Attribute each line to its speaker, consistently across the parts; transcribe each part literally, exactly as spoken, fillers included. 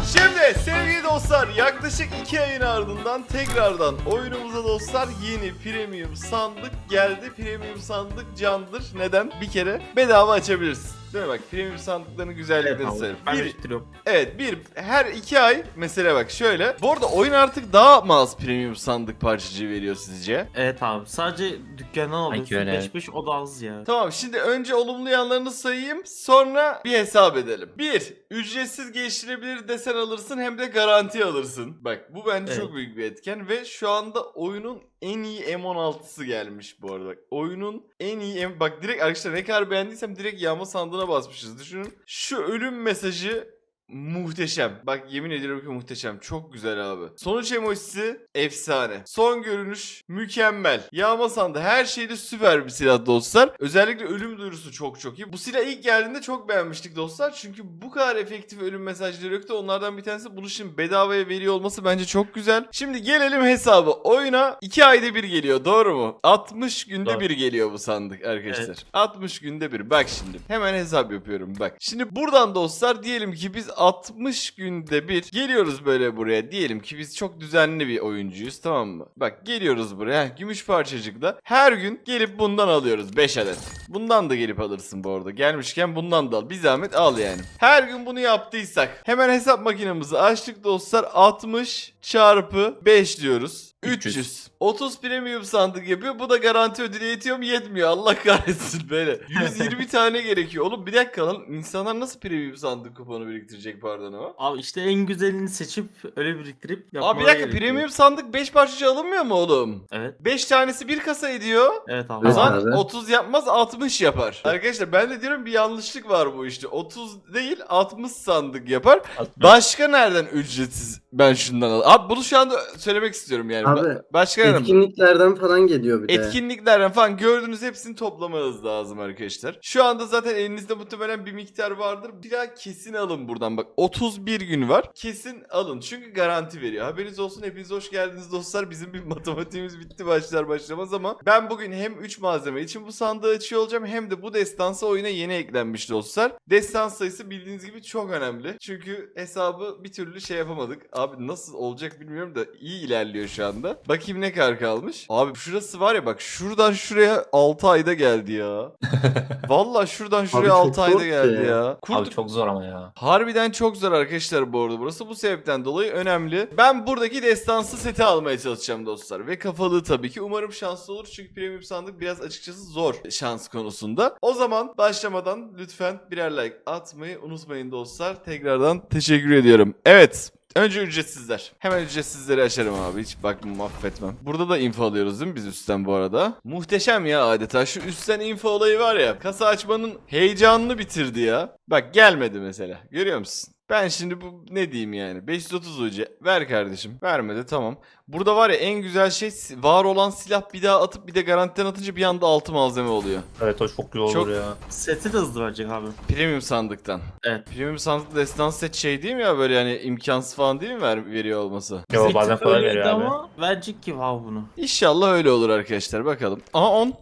Speaker 1: Şimdi sevgili dostlar, yaklaşık iki ayın ardından tekrardan oyunumuza dostlar yeni premium sandık geldi. Premium sandık candır. Neden? Bir kere bedava açabilirsin. Değil mi? Bak, premium sandıkların güzelliklerini
Speaker 2: Evet,
Speaker 1: söyleyeyim.
Speaker 2: ben
Speaker 1: Bir,
Speaker 2: biriktiriyorum.
Speaker 1: evet bir her iki ay mesela bak şöyle. Bu arada oyun artık daha mı az premium sandık parçacığı veriyor sizce?
Speaker 2: Evet abi, sadece dükkandan alıyorsun
Speaker 3: öyle,
Speaker 2: beş beş, o da az ya.
Speaker 1: Tamam, şimdi önce olumlu yanlarını sayayım, sonra bir hesap edelim. Bir, ücretsiz geliştirebilir desen alırsın, hem de garanti alırsın. Bak, bu bence
Speaker 2: Evet.
Speaker 1: çok büyük bir etken ve şu anda oyunun en iyi M on altısı gelmiş bu arada. Bak, oyunun en iyi M... Bak direkt arkadaşlar, ne kadar beğendiysem direkt yağma sandığına basmışız. Düşünün, şu ölüm mesajı muhteşem. Bak yemin ediyorum ki muhteşem. Çok güzel abi. Sonuç emojisi efsane. Son görünüş mükemmel. Yağma sandı. Her şeyde süper bir silah dostlar. Özellikle ölüm duyurusu çok çok iyi. Bu silah ilk geldiğinde çok beğenmiştik dostlar. Çünkü bu kadar efektif ölüm mesajları yoktu. Onlardan bir tanesi bunu şimdi bedavaya veriyor olması bence çok güzel. Şimdi gelelim hesabı. Oyuna iki ayda bir geliyor. Doğru mu? altmış günde
Speaker 2: Doğru.
Speaker 1: bir geliyor bu sandık arkadaşlar.
Speaker 2: Evet.
Speaker 1: altmış günde bir. Bak şimdi. Hemen hesap yapıyorum bak. Şimdi buradan dostlar diyelim ki biz altmış günde bir geliyoruz böyle buraya. Diyelim ki biz çok düzenli bir oyuncuyuz, tamam mı? Bak geliyoruz buraya. Heh, gümüş parçacıkla. Her gün gelip bundan alıyoruz beş adet. Bundan da gelip alırsın bu arada. Gelmişken bundan da al. Bir zahmet al yani. Her gün bunu yaptıysak hemen hesap makinemizi açtık dostlar. altmış çarpı beş diyoruz. üç yüz. otuz premium sandık yapıyor. Bu da garanti ödülü yetiyor mu? Yetmiyor. Allah kahretsin böyle. yüz yirmi tane gerekiyor. Oğlum bir dakika lan. İnsanlar nasıl premium sandık kuponu biriktirecek, pardon o?
Speaker 2: Abi işte en güzelini seçip öyle biriktirip
Speaker 1: Abi
Speaker 2: yapmaları
Speaker 1: bir dakika,
Speaker 2: gerekiyor.
Speaker 1: premium sandık beş parçacı alınmıyor mu oğlum?
Speaker 2: Evet.
Speaker 1: beş tanesi bir kasa ediyor.
Speaker 2: Evet abi.
Speaker 1: O
Speaker 3: Evet
Speaker 1: zaman
Speaker 3: abi.
Speaker 1: otuz yapmaz, altmış yapar. Arkadaşlar ben de diyorum bir yanlışlık var bu işte. otuz değil altmış sandık yapar. Başka nereden ücretsiz ben şundan al? Abi bunu şu anda söylemek istiyorum yani.
Speaker 3: Abi,
Speaker 1: Ba- Başka nereden?
Speaker 3: Etkinliklerden falan geliyor bir de.
Speaker 1: Etkinliklerden falan gördüğünüz hepsini toplamanız lazım arkadaşlar. Şu anda zaten elinizde muhtemelen bir miktar vardır. Bir daha kesin alın buradan bak. otuz bir gün var. Kesin alın. Çünkü garanti veriyor. Haberiniz olsun. Hepiniz hoş geldiniz dostlar. Bizim bir matematiğimiz bitti başlar başlamaz ama ben bugün hem üç malzeme için bu sandığı açıyor olacağım, hem de bu destansı oyuna yeni eklenmiş dostlar. Destans sayısı bildiğiniz gibi çok önemli. Çünkü hesabı bir türlü şey yapamadık. Abi nasıl olacak bilmiyorum da iyi ilerliyor şu anda. Bakayım ne kadar kalmış. Abi şurası var ya, bak şuradan şuraya altı ayda geldi ya. Vallahi şuradan şuraya
Speaker 3: çok
Speaker 1: altı
Speaker 3: zor
Speaker 1: ayda
Speaker 3: ki.
Speaker 1: geldi ya. Kurt...
Speaker 4: Abi çok zor ama ya.
Speaker 1: Harbiden çok zor arkadaşlar bu arada burası. Bu sebepten dolayı önemli. Ben buradaki destansı seti almaya çalışacağım dostlar. Ve kafalığı tabii ki. Umarım şanslı olur. Çünkü premium sandık biraz açıkçası zor şans konusunda. O zaman başlamadan lütfen birer like atmayı unutmayın dostlar. Tekrardan teşekkür ediyorum. Evet. Önce ücretsizler. Hemen ücretsizleri açarım abi. Hiç bakmam, affetmem. Burada da info alıyoruz değil mi biz üstten bu arada? Muhteşem ya adeta. Şu üstten info olayı var ya. Kasa açmanın heyecanını bitirdi ya. Bak gelmedi mesela. Görüyor musun? Ben şimdi bu ne diyeyim yani? beş yüz otuz U C ver kardeşim. Vermedi, tamam. Burada var ya en güzel şey, var olan silah bir daha atıp bir de garantiden atınca bir anda altı malzeme oluyor.
Speaker 4: Evet o çok iyi olur
Speaker 1: Çok-
Speaker 4: ya.
Speaker 2: Seti de hızlı verecek abi.
Speaker 1: Premium sandıktan.
Speaker 2: Evet.
Speaker 1: Premium sandıkta destans set şey değil mi ya, böyle yani imkansız falan değil mi ver, veriyor olması?
Speaker 4: Yo
Speaker 2: Seti
Speaker 4: bazen kolay
Speaker 2: öyleydi
Speaker 4: veriyor abi.
Speaker 2: ama verecek ki abi bunu.
Speaker 1: İnşallah öyle olur arkadaşlar, bakalım. Aha on.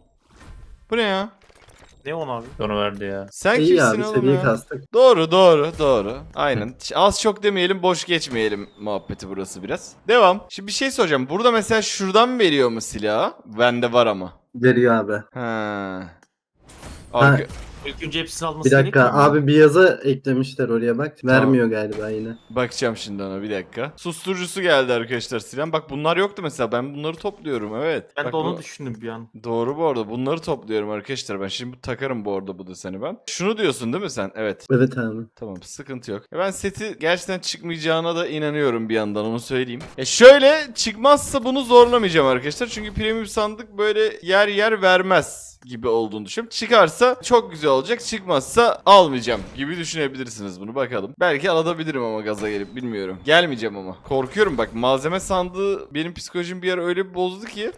Speaker 1: Bu ne ya?
Speaker 2: Ne on abi?
Speaker 4: Onu verdi ya.
Speaker 1: Sen
Speaker 3: İyi
Speaker 1: kimsin
Speaker 3: abi,
Speaker 1: oğlum
Speaker 3: seviye
Speaker 1: ya?
Speaker 3: kastık.
Speaker 1: Doğru doğru doğru. Aynen. Az çok demeyelim, boş geçmeyelim muhabbeti burası biraz. Devam. Şimdi bir şey soracağım. Burada mesela şuradan mı veriyor mu silahı? Bende var ama.
Speaker 3: Veriyor abi.
Speaker 1: Ha. Arka...
Speaker 2: İlk önce hepsini alması
Speaker 3: Bir dakika
Speaker 2: gerekmiyor mu?
Speaker 3: abi, bir yazı eklemişler oraya bak. Vermiyor galiba yine.
Speaker 1: Bakacağım şimdi ona, bir dakika. Susturucusu geldi arkadaşlar silahın. Bak bunlar yoktu mesela. Ben bunları topluyorum, evet.
Speaker 2: Ben
Speaker 1: Bak
Speaker 2: de onu
Speaker 1: bu-
Speaker 2: düşündüm bir an.
Speaker 1: Doğru bu arada. Bunları topluyorum arkadaşlar. Ben şimdi takarım bu arada bu deseni ben. Şunu diyorsun değil mi sen? Evet.
Speaker 3: Evet abi.
Speaker 1: Tamam, sıkıntı yok. Ya ben seti gerçekten çıkmayacağına da inanıyorum bir yandan, onu söyleyeyim. E şöyle çıkmazsa bunu zorlamayacağım arkadaşlar. Çünkü premium sandık böyle yer yer vermez gibi olduğunu düşünüyorum. Çıkarsa çok güzel olacak. Çıkmazsa almayacağım gibi düşünebilirsiniz bunu, bakalım. Belki alabilirim ama gaza gelip, bilmiyorum. Gelmeyeceğim ama. Korkuyorum bak, malzeme sandığı benim psikolojim bir ara öyle bir bozdu ki.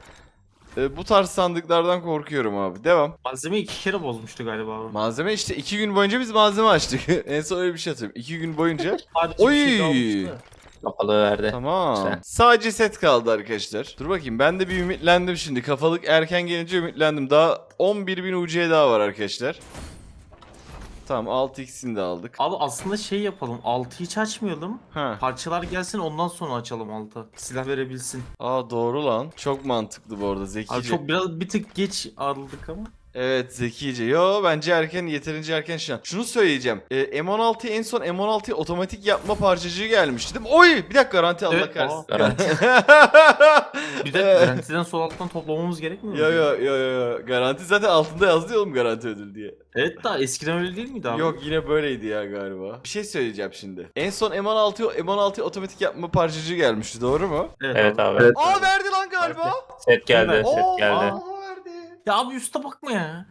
Speaker 1: E, bu tarz sandıklardan korkuyorum abi. Devam.
Speaker 2: Malzeme iki kere bozmuştu galiba abi.
Speaker 1: Malzeme işte iki gün boyunca biz malzeme açtık. En son öyle bir şey hatırlıyorum. iki gün boyunca.
Speaker 2: Sadece bir şey
Speaker 1: Oy!
Speaker 2: kalmıştı.
Speaker 4: Kapalı verdi.
Speaker 1: Tamam.
Speaker 4: Güzel.
Speaker 1: Sadece set kaldı arkadaşlar. Dur bakayım, ben de bir ümitlendim şimdi. Kafalık erken gelince ümitlendim. Daha on bir bin U C daha var arkadaşlar. Tamam altı x'ini de aldık.
Speaker 2: Abi aslında şey yapalım. altı hiç açmayalım.
Speaker 1: Ha.
Speaker 2: Parçalar gelsin ondan sonra açalım altı. Silah verebilsin.
Speaker 1: Aa doğru lan. Çok mantıklı bu arada, zekice.
Speaker 2: Abi çok biraz bir tık geç aldık ama.
Speaker 1: Evet zekice. Yo bence erken, yeterince erken şu an. Şunu söyleyeceğim. Ee, M on altı en son M on altıyı otomatik yapma parçacığı gelmişti değil mi? Oy bir dakika, garanti Allah
Speaker 2: Evet,
Speaker 1: kahretsin.
Speaker 4: Garanti.
Speaker 2: Bir de garantiden sol alttan toplamamız gerekmiyor mu?
Speaker 1: Yo yo yo yo. Garanti zaten altında yazdı ya oğlum, garanti ödül diye.
Speaker 2: Evet daha eskiden öyle değil miydi abi?
Speaker 1: Yok yine böyleydi ya galiba. Bir şey söyleyeceğim şimdi. En son M on altı M on altı otomatik yapma parçacığı gelmişti, doğru mu?
Speaker 2: Evet,
Speaker 4: Evet
Speaker 2: abi.
Speaker 4: abi.
Speaker 3: Evet.
Speaker 1: Aa verdi lan galiba.
Speaker 4: Set geldi,
Speaker 2: Evet.
Speaker 4: set
Speaker 1: Oo,
Speaker 4: geldi.
Speaker 1: aa, verdi.
Speaker 2: Ya abi üste bakma ya.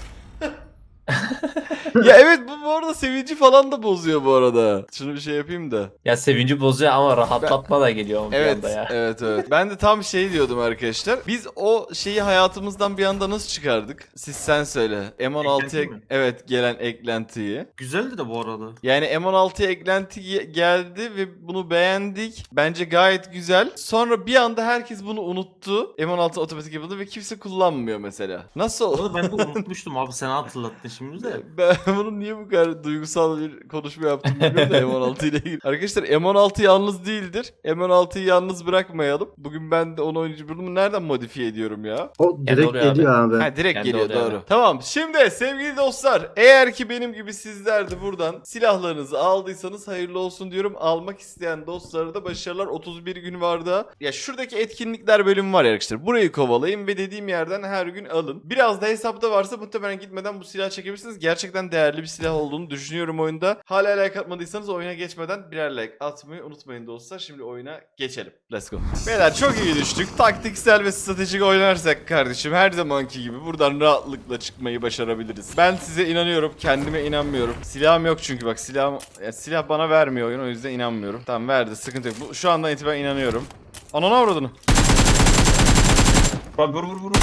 Speaker 1: Ya evet, bu bu arada sevinci falan da bozuyor bu arada. Şunu bir şey yapayım da.
Speaker 4: Ya sevinci bozuyor ama rahatlatma da geliyor ama bir
Speaker 1: Evet,
Speaker 4: anda ya.
Speaker 1: evet, evet. Ben de tam şey diyordum arkadaşlar. Biz o şeyi hayatımızdan bir anda nasıl çıkardık? Siz sen söyle. M on altıya
Speaker 2: Eklenti mi?
Speaker 1: evet gelen eklentiyi.
Speaker 2: Güzeldi de bu arada.
Speaker 1: Yani M on altıya eklenti ge- geldi ve bunu beğendik. Bence gayet güzel. Sonra bir anda herkes bunu unuttu. M on altı otomatik yapıldı ve kimse kullanmıyor mesela. Nasıl
Speaker 2: Bu
Speaker 1: oldu?
Speaker 2: arada ben de unutmuştum abi, sen hatırlattın şimdi de.
Speaker 1: Ben bunun niye bu kadar duygusal bir konuşma yaptım bilmiyorum da M on altı ile ilgili. Arkadaşlar M on altı yalnız değildir. M on altıyı yalnız bırakmayalım. Bugün ben de onu oynayıcı bunu nereden modifiye ediyorum ya?
Speaker 3: O direkt
Speaker 4: oluyor abi.
Speaker 3: geliyor abi.
Speaker 1: Ha direkt
Speaker 4: Kendi
Speaker 1: geliyor,
Speaker 4: oluyor
Speaker 1: doğru.
Speaker 4: abi.
Speaker 1: Tamam şimdi sevgili dostlar, eğer ki benim gibi sizler de buradan silahlarınızı aldıysanız hayırlı olsun diyorum. Almak isteyen dostlara da başarılar. otuz bir gün var da. Ya şuradaki etkinlikler bölümü var ya arkadaşlar. Burayı kovalayın ve dediğim yerden her gün alın. Biraz da hesapta varsa muhtemelen gitmeden bu silah çekebilirsiniz. Gerçekten değerli bir silah olduğunu düşünüyorum oyunda. Hala like atmadıysanız oyuna geçmeden birer like atmayı unutmayın dostlar. Şimdi oyuna geçelim. Let's go. Beyler çok iyi düştük. Taktiksel ve stratejik oynarsak kardeşim her zamanki gibi buradan rahatlıkla çıkmayı başarabiliriz. Ben size inanıyorum. Kendime inanmıyorum. Silahım yok çünkü bak silahım, ya silah bana vermiyor oyun, o yüzden inanmıyorum. Tamam verdi, sıkıntı yok. Bu, şu andan itibaren inanıyorum. Ananı avradını.
Speaker 2: Abi vur vur vur.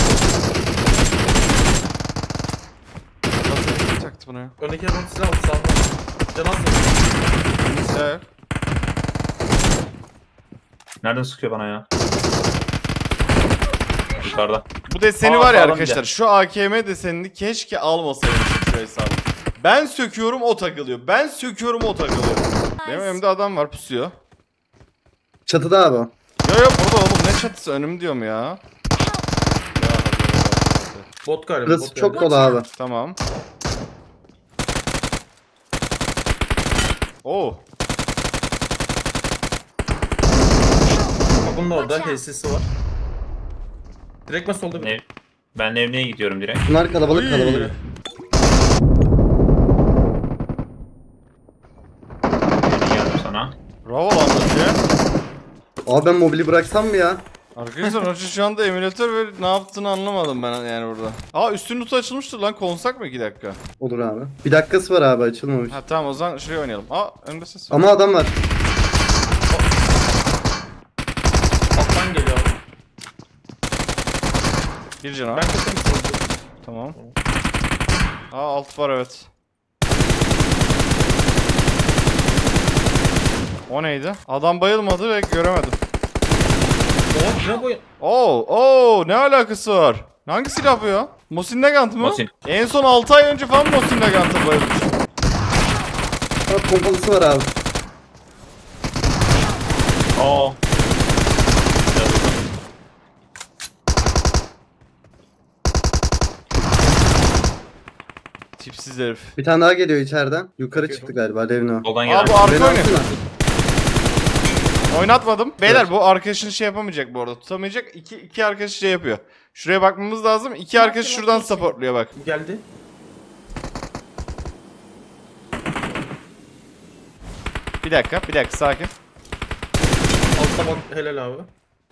Speaker 1: Nasıl taktı bunu ya?
Speaker 2: Öndeki adam silah aldı sağdan. Can az mı?
Speaker 1: Güzel.
Speaker 4: Nereden sıkıyor bana ya? Yukarıda.
Speaker 1: Bu deseni
Speaker 4: Aa,
Speaker 1: var ya
Speaker 4: sağlam
Speaker 1: arkadaşlar.
Speaker 4: gel.
Speaker 1: Şu A K M desenini keşke almasaydım şu hesabı. Ben söküyorum o takılıyor. Ben söküyorum o takılıyor. Benim önümde adam var, pusuyor.
Speaker 3: Çatıda abi. o.
Speaker 1: Yo yo burada oğlum, ne çatısı, önüm diyorum ya. Ya,
Speaker 2: Bot galiba.
Speaker 3: Burası
Speaker 2: bot
Speaker 3: çok
Speaker 2: galiba.
Speaker 3: dolu abi.
Speaker 1: tamam. Oo.
Speaker 2: Bak bunun da orada H S'si var. Direkt ben solda bir.
Speaker 4: Ne? Ben evine gidiyorum direkt.
Speaker 3: Bunlar kalabalık
Speaker 1: Uy.
Speaker 3: kalabalık.
Speaker 4: Geldim sana.
Speaker 1: Bravo lan Hacı.
Speaker 3: Abi ben mobili bıraksam mı ya?
Speaker 1: Arkadaşlar Hacı şu anda emülatör ve ne yaptığını anlamadım ben yani burada. Aa üstün notu açılmıştır lan, konsak mı iki dakika?
Speaker 3: Olur abi. Bir dakikası var abi, açılmamış.
Speaker 1: Ha tamam, o zaman şuraya oynayalım. Aa önde ses var.
Speaker 3: Ama adam var.
Speaker 2: Alttan geliyor abi.
Speaker 1: Bir canavar.
Speaker 2: Ben kaçırım solda.
Speaker 1: Tamam. Aa alt var evet. O neydi? Adam bayılmadı ve göremedim.
Speaker 2: Oh ne bu?
Speaker 1: Oo, oo ne alakası var? Hangi silah bu ya? Mosin Nagant mı?
Speaker 4: Mosin.
Speaker 1: En son altı ay önce falan Mosin Nagant'a bayılmış.
Speaker 3: Bak pompalısı var abi.
Speaker 4: Aa.
Speaker 1: Tipsiz herif.
Speaker 3: Bir tane daha geliyor içeriden. Yukarı
Speaker 2: Bakıyorum.
Speaker 3: çıktı galiba Levno.
Speaker 4: Soldan
Speaker 1: Aa
Speaker 4: gelen.
Speaker 1: bu arka
Speaker 3: Beni
Speaker 1: oynuyor.
Speaker 3: alsana.
Speaker 1: Oynatmadım. Beyler bu arkadaşın şey yapamayacak bu arada. Tutamayacak. İki, iki arkadaş şey yapıyor. Şuraya bakmamız lazım. İki arkadaş şuradan supportluyor bak.
Speaker 2: Geldi.
Speaker 1: Bir dakika, bir dakika sakin.
Speaker 2: Altta bak helal abi.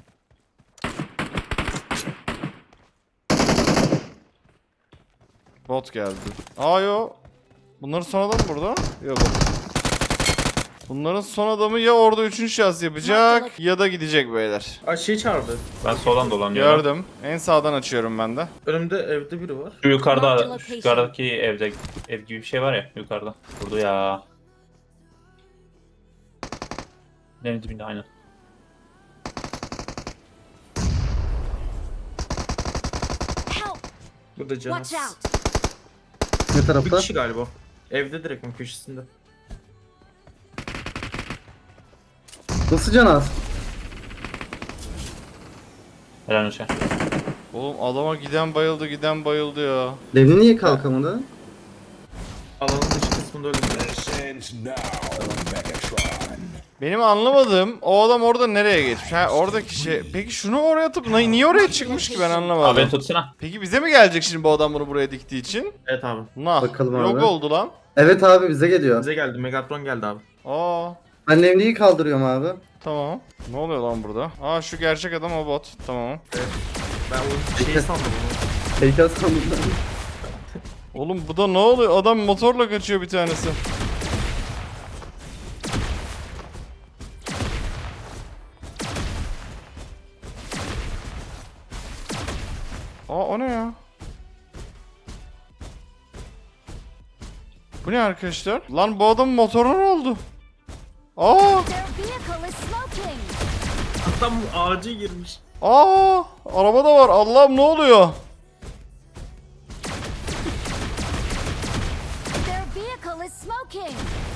Speaker 1: Bot geldi. Aa yo. Bunların son adamı burada. Yok. Bunların son adamı ya orada üçüncü şahıs yapacak ya da gidecek beyler.
Speaker 2: Ay şey çağırdı.
Speaker 4: Ben soldan dolanıyorum.
Speaker 1: Gördüm. En sağdan açıyorum ben de.
Speaker 2: Önümde evde biri var.
Speaker 4: Şu
Speaker 5: Mark the
Speaker 4: yukarıda,
Speaker 5: location.
Speaker 4: şu yukarıdaki evde, ev gibi bir şey var ya yukarıda. Burada ya. Deniz dibinde aynen.
Speaker 5: Help!
Speaker 2: Burada canı.
Speaker 5: Watch out!
Speaker 3: Ne
Speaker 2: Bir
Speaker 3: tarafta?
Speaker 2: kişi galiba. Evde direkt mi köşesinde?
Speaker 3: Nasıl can az?
Speaker 4: Helal olsun.
Speaker 1: Oğlum adama giden bayıldı giden bayıldı ya.
Speaker 3: Levni niye kalkamadı?
Speaker 2: Alanın dış kısmında öyle.
Speaker 1: Benim anlamadığım o adam orada nereye geçmiş? Ha oradaki şey. Peki şunu oraya atıp ni- niye oraya çıkmış ki ben
Speaker 4: Abi
Speaker 1: anlamadım.
Speaker 4: beni tutsana.
Speaker 1: Peki bize mi gelecek şimdi bu adam bunu buraya diktiği için?
Speaker 2: Evet abi.
Speaker 1: Nah.
Speaker 3: Bakalım
Speaker 1: Yok
Speaker 3: abi.
Speaker 1: oldu lan.
Speaker 3: Evet abi bize geliyor.
Speaker 2: Bize geldi. Megatron geldi abi.
Speaker 1: Aa.
Speaker 3: Ben Levni'yi kaldırıyorum abi.
Speaker 1: Tamam. Ne oluyor lan burada? Aa şu gerçek adam o bot. Tamam.
Speaker 2: Ben o şeyi sandım onu.
Speaker 3: Heykel sandım.
Speaker 1: Oğlum bu da ne oluyor? Adam motorla kaçıyor bir tanesi. Aa o ne ya? Bu ne arkadaşlar? Lan bu adamın motoruna ne oldu? Aa!
Speaker 5: Their vehicle is smoking.
Speaker 2: Adam ağaca girmiş.
Speaker 1: Aa! Araba da var. Allah'ım ne oluyor?
Speaker 5: Their vehicle is smoking.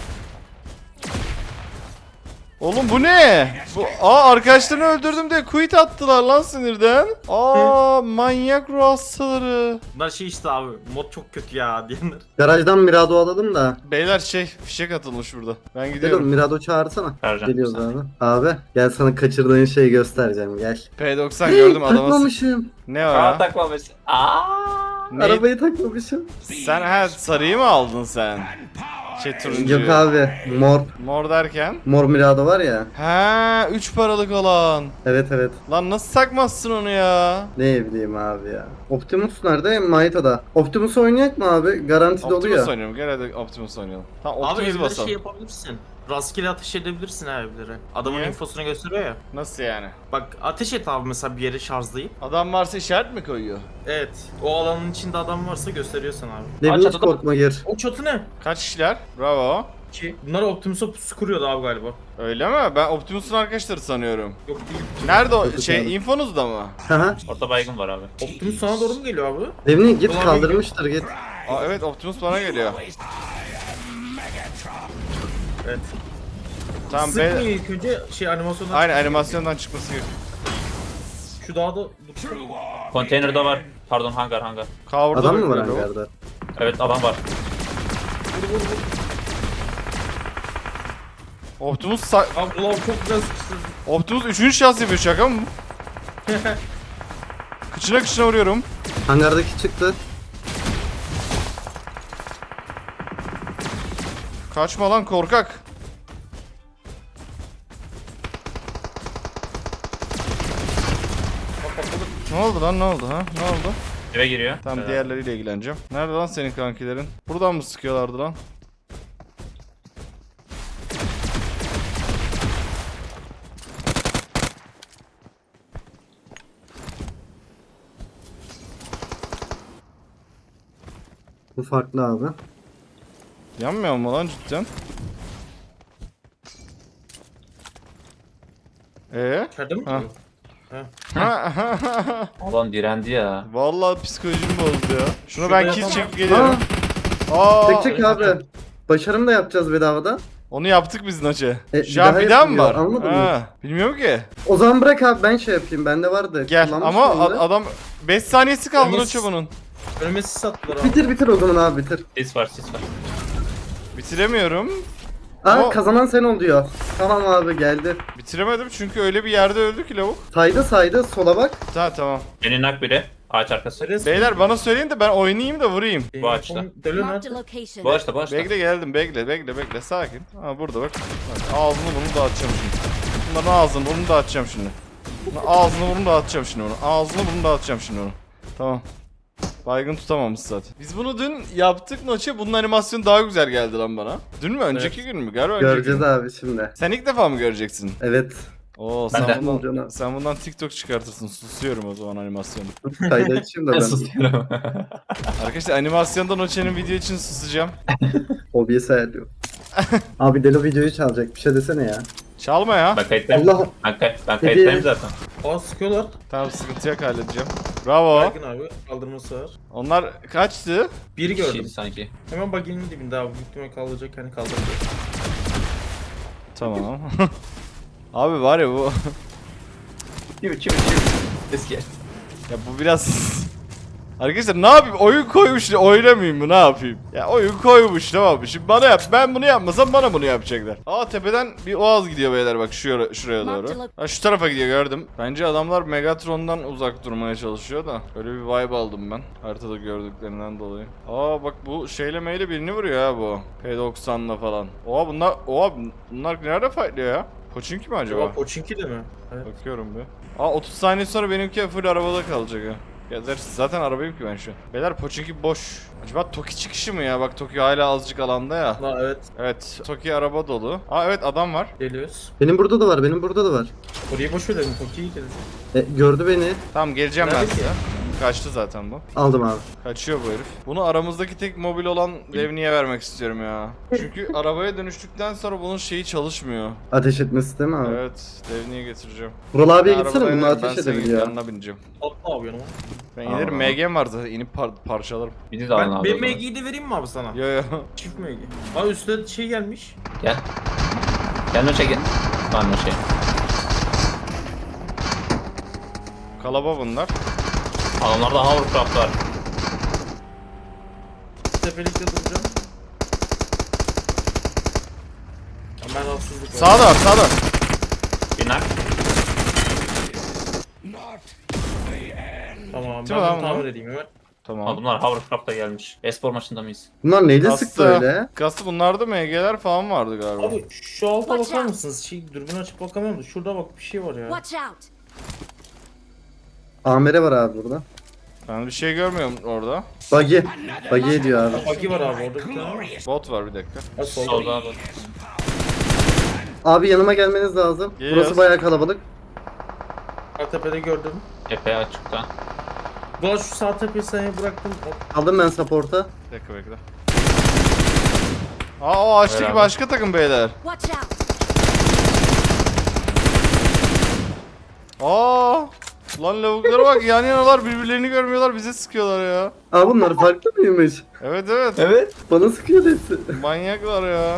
Speaker 1: Oğlum bu ne? Bu aa arkadaşlarını öldürdüm diye quit attılar lan sinirden. Aa manyak ruh hastaları.
Speaker 2: Bunlar şey işte abi. Mod çok kötü ya diyenler.
Speaker 3: Garajdan Mirado alalım da.
Speaker 1: Beyler şey fişek atılmış burada. Ben
Speaker 3: Gel oğlum
Speaker 1: gidiyorum.
Speaker 3: Mirado çağırsana.
Speaker 4: Çağıracağım.
Speaker 3: Geliyoruz abi. Abi gel sana kaçırdığın şeyi göstereceğim gel.
Speaker 1: P doksan gördüm adama.
Speaker 3: Takmamışım.
Speaker 1: Ne o
Speaker 4: Aa
Speaker 1: ya?
Speaker 4: taklamış. Aa.
Speaker 1: Ne?
Speaker 3: Arabayı takmamışım.
Speaker 1: Sen ha sarıyı mı aldın sen? Şey turuncuyu.
Speaker 3: Yok abi mor.
Speaker 1: Mor derken?
Speaker 3: Mor Mirado var ya.
Speaker 1: Ha üç paralık olan.
Speaker 3: Evet evet.
Speaker 1: Lan nasıl takmazsın onu ya?
Speaker 3: Ne bileyim abi ya. Optimus nerede? Maita'da. Optimus oynayak mı abi? Garantili
Speaker 1: Optimus
Speaker 3: oluyor.
Speaker 1: oynayalım. Gel hadi Optimus oynayalım. Tamam
Speaker 2: Abi
Speaker 1: Optimus'u
Speaker 2: evlere
Speaker 1: basalım.
Speaker 2: şey yapabilirsin. Rastgele ateş edebilirsin ha evlere. Adamın
Speaker 1: Niye?
Speaker 2: infosunu gösteriyor ya.
Speaker 1: Nasıl yani?
Speaker 2: Bak ateş et abi mesela bir yere şarjlayıp.
Speaker 1: Adam varsa işaret mi koyuyor?
Speaker 2: Evet. O alanın içinde adam varsa gösteriyor sana abi.
Speaker 3: Levni
Speaker 4: Aç,
Speaker 3: hiç
Speaker 4: aç, aç.
Speaker 3: korkma gir.
Speaker 2: O çatı ne?
Speaker 1: Kaç kişiler? Bravo.
Speaker 2: Ki. Bunlar Optimus'a pusu kuruyordu abi galiba.
Speaker 1: Öyle mi? Ben Optimus'un arkadaşları sanıyorum.
Speaker 2: Yok değil.
Speaker 1: Nerede o
Speaker 3: Çok
Speaker 1: şey
Speaker 3: güzel.
Speaker 1: infonuzda mı?
Speaker 3: Haha.
Speaker 4: Orta baygın var abi.
Speaker 2: Optimus sana doğru mu geliyor abi?
Speaker 3: Levni git
Speaker 2: Ulan
Speaker 3: kaldırmıştır git.
Speaker 1: Aa evet Optimus bana geliyor.
Speaker 2: Evet.
Speaker 1: Tamam
Speaker 2: Sıkmıyor
Speaker 1: be.
Speaker 2: ilk önce şey animasyondan.
Speaker 1: Aynen animasyondan çıkması gerekiyor.
Speaker 2: Şu dağda dur.
Speaker 4: Konteynerde var. Pardon hangar hangar.
Speaker 1: Cover'da
Speaker 3: Adam mı var
Speaker 1: bekliyor o.
Speaker 3: hangarda?
Speaker 4: Evet adam var.
Speaker 1: Optimus sa-
Speaker 2: Abi ulan çok güzel sıkıştırdı.
Speaker 1: Optimus üçüncü şans yapıyor şaka mı? Kıçına kıçına vuruyorum.
Speaker 3: Hangardaki çıktı.
Speaker 1: Kaçma lan korkak. Ne oldu lan ne oldu ha? Ne oldu?
Speaker 4: Eve giriyor.
Speaker 1: Tamam
Speaker 4: Evet.
Speaker 1: diğerleriyle ilgileneceğim. Nerede lan senin kankilerin? Buradan mı sıkıyorlardı lan?
Speaker 3: Bu farklı abi.
Speaker 1: Yanmıyor mu lan cidden? Ee?
Speaker 2: İçeride mi?
Speaker 1: Ha.
Speaker 2: duruyor?
Speaker 4: Ulan direndi ya.
Speaker 1: Vallahi psikolojim bozdu ya. Şunu
Speaker 2: Şurada
Speaker 1: ben kill
Speaker 2: yapamam.
Speaker 1: çekip geliyorum. Aa,
Speaker 3: Tek çek abi. Başarım da yapacağız bedavada.
Speaker 1: onu yaptık biz Naçe.
Speaker 3: E,
Speaker 1: Şu an
Speaker 3: bir
Speaker 1: bir
Speaker 3: daha
Speaker 1: daha mı var?
Speaker 3: yapılıyor, anladın mı?
Speaker 1: Ha, bilmiyorum ki.
Speaker 3: O zaman bırak abi ben şey yapayım. Bende vardı.
Speaker 1: Gel
Speaker 3: Kullanmıştım
Speaker 1: ama
Speaker 3: onu
Speaker 1: ad-
Speaker 3: da.
Speaker 1: adam beş saniyesi kaldı
Speaker 2: Enes-
Speaker 1: Naçe bunun.
Speaker 2: Önüme sis attılar abi.
Speaker 3: Bitir bitir o zaman abi bitir.
Speaker 4: Sis var sis var.
Speaker 1: Bitiremiyorum.
Speaker 3: Aa
Speaker 1: Ama-
Speaker 3: kazanan sen ol diyor. Tamam abi geldi.
Speaker 1: Bitiremedim çünkü öyle bir yerde öldü ki lavuk.
Speaker 3: Saydı saydı sola bak.
Speaker 1: Tamam tamam.
Speaker 4: Beni nak biri. Ağaç arkası.
Speaker 2: Neresi?
Speaker 1: Beyler bana söyleyin de ben oynayayım da vurayım.
Speaker 2: Ee,
Speaker 4: Bu açıda.
Speaker 2: Dölü
Speaker 5: Marked
Speaker 2: nerede?
Speaker 5: a location.
Speaker 4: Bu açta bu açta.
Speaker 1: Bekle geldim bekle bekle bekle sakin. Ha burada bak. Bak, ağzını bunu dağıtacağım şimdi. Bunların ağzını bunu dağıtacağım şimdi. Bunun ağzını bunu dağıtacağım şimdi onu. Ağzını bunu dağıtacağım şimdi onu. Tamam. Baygın tutamamış zaten. Biz bunu dün yaptık Noche. Bunun animasyonu daha güzel geldi lan bana. Dün mü? Önceki gün mü? Galiba önceki
Speaker 3: Göreceğiz
Speaker 1: gün.
Speaker 3: abi şimdi.
Speaker 1: Sen ilk defa mı göreceksin?
Speaker 3: Evet.
Speaker 1: Oo
Speaker 4: Ben
Speaker 1: sen
Speaker 4: de.
Speaker 1: bundan,
Speaker 3: Canım.
Speaker 1: sen bundan TikTok çıkartırsın. Susuyorum o zaman animasyonu.
Speaker 3: Kaydı açayım da ben.
Speaker 4: Susuyorum.
Speaker 1: Arkadaşlar animasyonda Noche'nin video için susacağım.
Speaker 3: O B S ayarlıyor. Abi Delo videoyu çalacak. Bir şey desene ya.
Speaker 1: Çalma ya.
Speaker 4: Ben kayıttayım.
Speaker 3: Allah.
Speaker 4: Ben, kay ben
Speaker 3: Peki.
Speaker 4: kayıttayım zaten.
Speaker 2: Aa sıkıyorlar.
Speaker 1: Tamam sıkıntı yok halledeceğim. Bravo.
Speaker 2: Baygın abi. Kaldırması var.
Speaker 1: Onlar kaçtı?
Speaker 2: Biri
Speaker 4: Kişiydi
Speaker 2: gördüm.
Speaker 4: sanki.
Speaker 2: Hemen baginin dibinde abi. Büyük ihtimal kaldıracak hani kaldıracak.
Speaker 1: Tamam. Abi var ya bu.
Speaker 4: Çivi çivi çivi. Eski.
Speaker 1: Ya bu biraz... Arkadaşlar ne yapayım? Oyun koymuş, oynamayayım mı? Ne yapayım? Ya oyun koymuş, tamam mı? Şimdi bana yap. Ben bunu yapmasam bana bunu yapacaklar. Aa, tepeden bir oğaz gidiyor beyler, bak şuraya, şuraya doğru. Ha, şu tarafa gidiyor, gördüm. Bence adamlar Megatron'dan uzak durmaya çalışıyor da. Öyle bir vibe aldım ben. Haritada gördüklerinden dolayı. Aa bak, bu şeyle meyle birini vuruyor ha bu. P doksanla falan. Oha bunlar, oha bunlar nerede fightlıyor ya? Pochinki mi acaba?
Speaker 2: Acaba Pochinki de mi? Evet.
Speaker 1: Bakıyorum bir. Aa, otuz saniye sonra benimki full arabada kalacak ha. Ya zaten arabayım ki ben şu an. Beyler Pochinki boş. Acaba Toki çıkışı mı ya? Bak Toki hala azıcık alanda ya.
Speaker 2: Ha evet.
Speaker 1: Evet, Toki araba dolu. Aa evet, adam var.
Speaker 2: Geliyoruz.
Speaker 3: Benim burada da var, benim burada da var.
Speaker 2: Orayı boş verelim. Toki'yi gidelim.
Speaker 3: E, gördü beni.
Speaker 1: Tamam, geleceğim ben
Speaker 2: Nerede ki?
Speaker 1: size. Kaçtı zaten bu.
Speaker 3: Aldım abi.
Speaker 1: Kaçıyor bu herif. Bunu aramızdaki tek mobil olan Devni'ye vermek istiyorum ya. Çünkü arabaya dönüştükten sonra bunun şeyi çalışmıyor.
Speaker 3: Ateş etmesi değil mi abi?
Speaker 1: Evet, Devni'ye getireceğim.
Speaker 3: Vural abiye
Speaker 1: Ben
Speaker 3: gitsene,
Speaker 1: arabada
Speaker 3: bunu
Speaker 1: inerim, ben
Speaker 3: ateş
Speaker 1: senin
Speaker 3: edebiliyor.
Speaker 1: yanına bineceğim.
Speaker 2: Atla abi yanıma.
Speaker 1: Ben inerim,
Speaker 3: Aa.
Speaker 1: M G'm var zaten, inip par parçalarım.
Speaker 4: Bir de alın
Speaker 2: Ben,
Speaker 4: abi.
Speaker 2: benim
Speaker 4: o zaman.
Speaker 2: M G'yi de vereyim mi abi sana?
Speaker 1: Yo yo.
Speaker 2: Çift M G. Abi üstüne şey gelmiş.
Speaker 4: Gel. Gel o çekin. Var o şey.
Speaker 1: Kalaba bunlar.
Speaker 4: Adamlarda hovercraft var.
Speaker 2: Tepelikte duracağım. Hemen rahatsızlık var.
Speaker 1: Sağda var, sağda var.
Speaker 4: Binak.
Speaker 2: Tamam
Speaker 1: Değil mi
Speaker 2: ben
Speaker 1: lan
Speaker 2: bunu tamir
Speaker 1: bunlar?
Speaker 2: edeyim hemen.
Speaker 1: Tamam.
Speaker 4: Adamlar hovercraft'ta gelmiş. Espor maçında mıyız?
Speaker 3: Bunlar neyle
Speaker 1: Kastı.
Speaker 3: sıktı öyle?
Speaker 1: Kastı bunlarda M G'ler falan vardı galiba.
Speaker 2: Abi şu alta
Speaker 5: Watch
Speaker 2: bakar
Speaker 5: out.
Speaker 2: mısınız? Şey dürbün açıp bakamıyorum da şurada bak bir şey var ya.
Speaker 5: Watch out!
Speaker 3: Amere var abi burada.
Speaker 1: Ben bir şey görmüyorum orada.
Speaker 3: Buggy. Buggy ediyor abi.
Speaker 2: Bagi var abi orada bir tane var.
Speaker 1: Bot var, bir dakika.
Speaker 2: Ha solda.
Speaker 4: Solda abi.
Speaker 3: Abi yanıma gelmeniz lazım.
Speaker 1: Geliyoruz.
Speaker 3: Burası bayağı kalabalık.
Speaker 2: Sağ tepede gördüm.
Speaker 4: Epey açıkta.
Speaker 2: Doğa şu sağ tepeyi sana bıraktım.
Speaker 3: Aldım ben support'a.
Speaker 1: Bir dakika bekle. Aa, o ağaçtaki
Speaker 4: Beraber.
Speaker 1: başka takım beyler.
Speaker 5: Watch out!
Speaker 1: Aa! Lan lavuklara bak, yan yanalar, birbirlerini görmüyorlar, bize sıkıyorlar ya.
Speaker 3: Aa bunlar farklı mıymış?
Speaker 1: Evet evet.
Speaker 4: Evet.
Speaker 3: Bana sıkıyor hepsi.
Speaker 1: Manyaklar ya.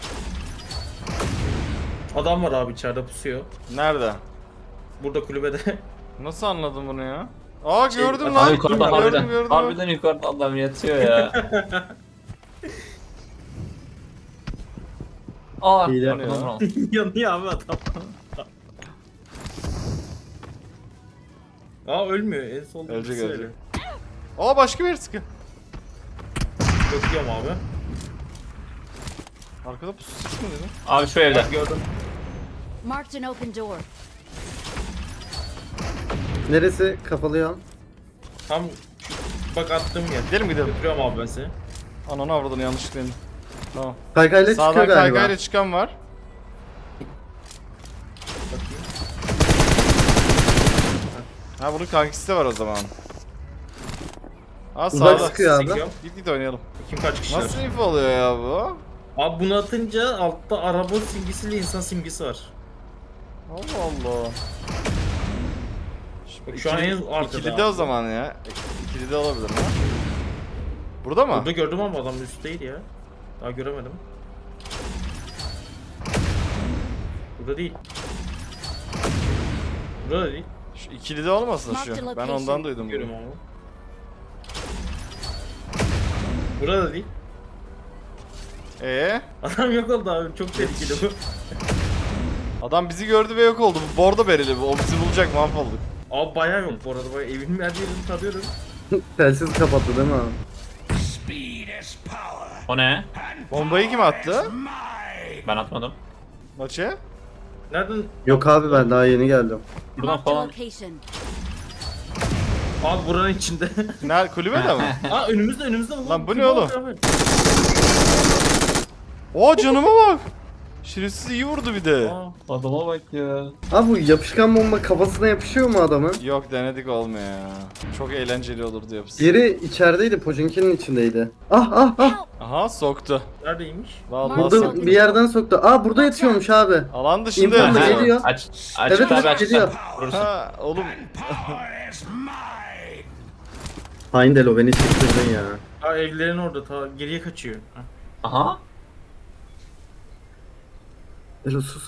Speaker 2: Adam var abi içeride pusuyor.
Speaker 1: Nerede?
Speaker 2: Burada kulübede.
Speaker 1: Nasıl anladın bunu ya? Aa,
Speaker 2: Şey,
Speaker 1: gördüm
Speaker 2: Abi
Speaker 1: lan.
Speaker 4: Abi yukarıda
Speaker 1: gördüm
Speaker 4: harbiden.
Speaker 1: gördüm.
Speaker 4: Harbiden yukarıda adam yatıyor ya. Aa,
Speaker 3: İyi de-
Speaker 4: arkadan vuralım.
Speaker 2: Yanıyor abi adam. Aa ölmüyor en solda.
Speaker 1: Ölecek,
Speaker 2: birisi
Speaker 1: ölecek.
Speaker 2: öyle.
Speaker 1: Aa, başka bir sıkı.
Speaker 2: Bakıyorum abi.
Speaker 1: Arkada pusu ses mi dedin?
Speaker 4: Abi şu evde.
Speaker 2: Bak gördüm.
Speaker 5: Marked an open door.
Speaker 3: Neresi kapalı ya?
Speaker 2: Tam bak attığım yer.
Speaker 1: Gidelim gidelim.
Speaker 2: Götürüyorum abi ben seni.
Speaker 1: Ananı avradını, yanlışlıkla indim. Tamam.
Speaker 3: Kaykayla çıkıyor
Speaker 1: Sağdan
Speaker 3: galiba.
Speaker 1: kaykayla çıkan var.
Speaker 2: Bakayım.
Speaker 1: Ha, bunun kankisi de var o zaman. Ha,
Speaker 3: Uzak
Speaker 1: sağda.
Speaker 3: sıkıyor abi.
Speaker 2: Çekiyorum.
Speaker 1: Git git oynayalım.
Speaker 2: Kim kaç kişi var?
Speaker 1: Nasıl info oluyor ya bu?
Speaker 2: Abi bunu atınca altta araba simgesiyle insan simgesi var.
Speaker 1: Allah Allah.
Speaker 2: Bak şu an en arkada.
Speaker 1: İkili de o zaman ya. İkili de olabilir ha. Burada mı?
Speaker 2: Burada gördüm ama adam üstteydi ya. Daha göremedim. Burada değil. Burada da değil.
Speaker 1: Şu ikili de olmasın
Speaker 5: Mark the
Speaker 1: şu. Ben
Speaker 5: location.
Speaker 1: ondan duydum
Speaker 2: Görüyorum
Speaker 1: bunu.
Speaker 2: ama. Burada da değil.
Speaker 1: Ee,
Speaker 2: Adam yok oldu abi. Çok tehlikeli bu.
Speaker 1: adam bizi gördü ve yok oldu. Bu bordo bereli bu. O bizi bulacak, mahvolduk.
Speaker 2: Abi bayağı yok bu arada. Bayağı evin her yerini tarıyorum.
Speaker 3: Telsiz kapattı değil mi abi?
Speaker 4: O ne?
Speaker 1: Bombayı kim attı?
Speaker 4: Ben atmadım.
Speaker 1: Maçı?
Speaker 2: Nereden?
Speaker 3: Yok abi ben daha yeni geldim.
Speaker 4: Buradan
Speaker 5: Marked a
Speaker 4: falan.
Speaker 5: location.
Speaker 2: Abi buranın içinde.
Speaker 1: Nerede? Kulübede mi?
Speaker 2: Aa önümüzde önümüzde.
Speaker 1: Lan bu ne
Speaker 2: Kim
Speaker 1: oğlum?
Speaker 2: abi?
Speaker 1: Oo, canıma bak. Şerefsiz iyi vurdu bir de.
Speaker 2: Aa,
Speaker 4: Adama bak ya.
Speaker 3: Abi bu yapışkan bomba kafasına yapışıyor mu adamın?
Speaker 1: Yok, denedik, olmuyor ya. Çok eğlenceli olurdu yapısı.
Speaker 3: Diğeri içerideydi, Pochinki'nin içindeydi. Ah ah ah!
Speaker 5: Help!
Speaker 1: Aha, soktu.
Speaker 2: neredeymiş?
Speaker 1: Vallahi
Speaker 5: Burada-
Speaker 1: soktu.
Speaker 3: Burada bir yerden soktu. Aa burada yatıyormuş abi.
Speaker 1: Alan dışında
Speaker 3: İmkanla
Speaker 1: yatıyor.
Speaker 3: geliyor.
Speaker 4: Aç. Aç
Speaker 3: Evet
Speaker 4: abi
Speaker 3: evet
Speaker 4: aç.
Speaker 3: geliyor.
Speaker 1: Ha oğlum.
Speaker 3: Hain Delo beni çektirdin ya.
Speaker 2: Aa evlerin orada ta geriye kaçıyor. Ha.
Speaker 4: Aha.
Speaker 3: Delo sus.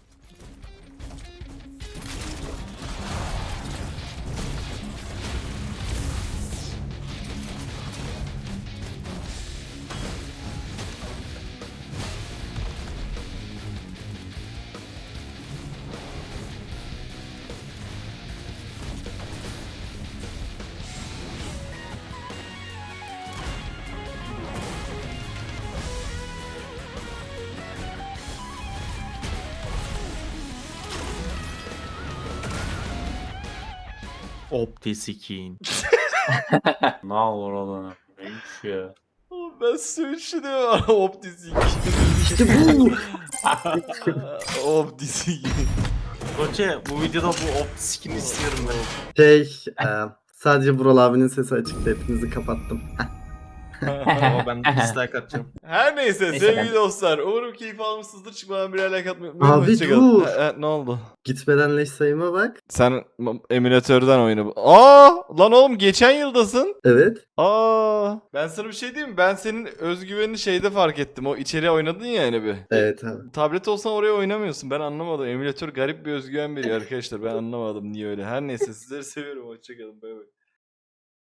Speaker 2: Optiskin.
Speaker 4: Ne olur oğlum. Neymiş ya?
Speaker 1: Oğlum ben söğüşü de var. Optisik.
Speaker 3: İşte bu.
Speaker 1: Optisik.
Speaker 2: Koçe bu videoda bu optiskini istiyorum ben.
Speaker 3: Şey, e, sadece Vural abinin sesi açıktı. Hepinizi kapattım.
Speaker 2: Ama ben dislike atacağım.
Speaker 1: Her neyse,
Speaker 4: Neyse,
Speaker 1: sevgili
Speaker 4: ben-
Speaker 1: dostlar. Umarım keyif almışsınızdır. Çıkmadan birer like atmayı unutmayın.
Speaker 3: Abi
Speaker 1: Hoşçakalın.
Speaker 3: dur.
Speaker 1: Ha, ha, ne oldu?
Speaker 3: Gitmeden leş sayıma bak.
Speaker 1: Sen m- emülatörden oyna. Aa, lan oğlum geçen yıldasın.
Speaker 3: Evet.
Speaker 1: Aa, ben sana bir şey diyeyim mi? Ben senin özgüvenini şeyde fark ettim. O içeriye oynadın ya hani bir.
Speaker 3: Evet abi.
Speaker 1: Tablet olsan oraya oynamıyorsun. Ben anlamadım. Emülatör garip bir özgüven veriyor arkadaşlar. Ben anlamadım niye öyle. Her neyse, sizleri seviyorum. Hoşçakalın. Bay bay.